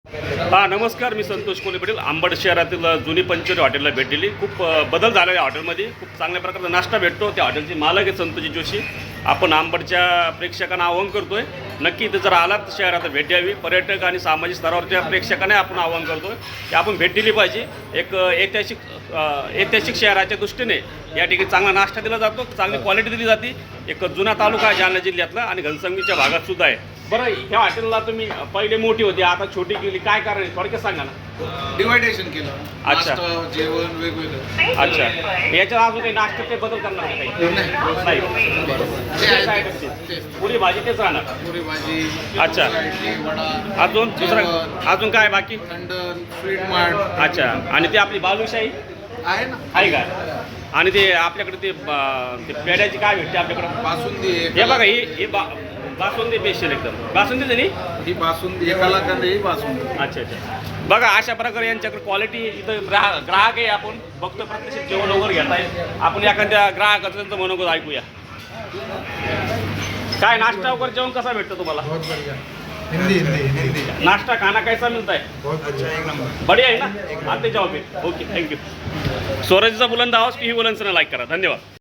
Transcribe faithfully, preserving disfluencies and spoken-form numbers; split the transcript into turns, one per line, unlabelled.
हां नमस्कार, मी संतोष कोले पाटील. अंबड शहरातील जुनी पंचवटी हॉटेलला भेट दिली. खूप अ, बदल झाला या हॉटेलमध्ये. खूप चांगल्या प्रकारचा नाश्ता भेटतो. त्या हॉटेलचे मालक आहेत संतोषजी जोशी. आपण अंबडच्या प्रेक्षकांना आवाहन करतोय, नक्की इथं जर आलात शहरात भेट द्यावी. पर्यटक आणि सामाजिक स्तरावरच्या प्रेक्षकांना आपण आवाहन करतोय की आपण भेट दिली पाहिजे. एक अ, ऐतिहासिक अ, ऐतिहासिक शहराच्या दृष्टीने या ठिकाणी चांगला नाश्ता दिला जातो, चांगली क्वालिटी दिली जाते. एक जुना तालुका आहे जालना जिल्ह्यातला आणि घनसंगीच्या भागात सुद्धा आहे. बरं, ह्या हॉटेलला तुम्ही पहिले मोठी होती, आता छोटी केली, काय कारण आहे थोडक्यात सांगा ना.
डिवायडेशन केलं.
अच्छा.
नाश्ता, जेवण वेगवेगळं.
अच्छा, याच्यात अजून काही नाश्त्यात काही बदल करणार का काही? नाही. तेच आहे का ते? पुरी भाजी तेच राहणार.
पुरी भाजी,
अच्छा.
इडली, वडा,
अजून दुसरं
जेवण,
अजून काय बाकी?
थंड, स्वीट मार्ट
अच्छा, आणि ती आपली बालुशाही
आहे ना.
आहे का? आणि ते आपल्याकडे ते ब- ते पेड्याची काय भेटते आपल्याकडं?
बासुंदी आहे.
हे बघा, ही ही बा बासुंदी स्पेशल एकदम. बासुंदी नाही?
ही बासुंदी एकाला कंदे ही बासुंदी.
अच्छा अच्छा. बघा, अशा प्रकारे यांच्याकडे क्वालिटी इथं ग्राहक ग्राहक आहे. आपण बघतो प्रत्यक्ष जेवण वगैरे घेत आहे. आपण एखाद्या ग्राहकाचं त्यांचं मनोगत ऐकूया. काय नाश्ता वगैरे जेवण कसा भेटतं तुम्हाला?
बहुत बढ़िया. हिंदी हिंदी हिंदी
नाश्ता खाना कैसा मिलता है?
बहुत अच्छा, एक नंबर.
बढ़िया आहे ना? आते जाओ फिर. Okay, thank you. स्वराज्याचा बुलंद आवाज की ही बुलंदचं लाईक करा. धन्यवाद.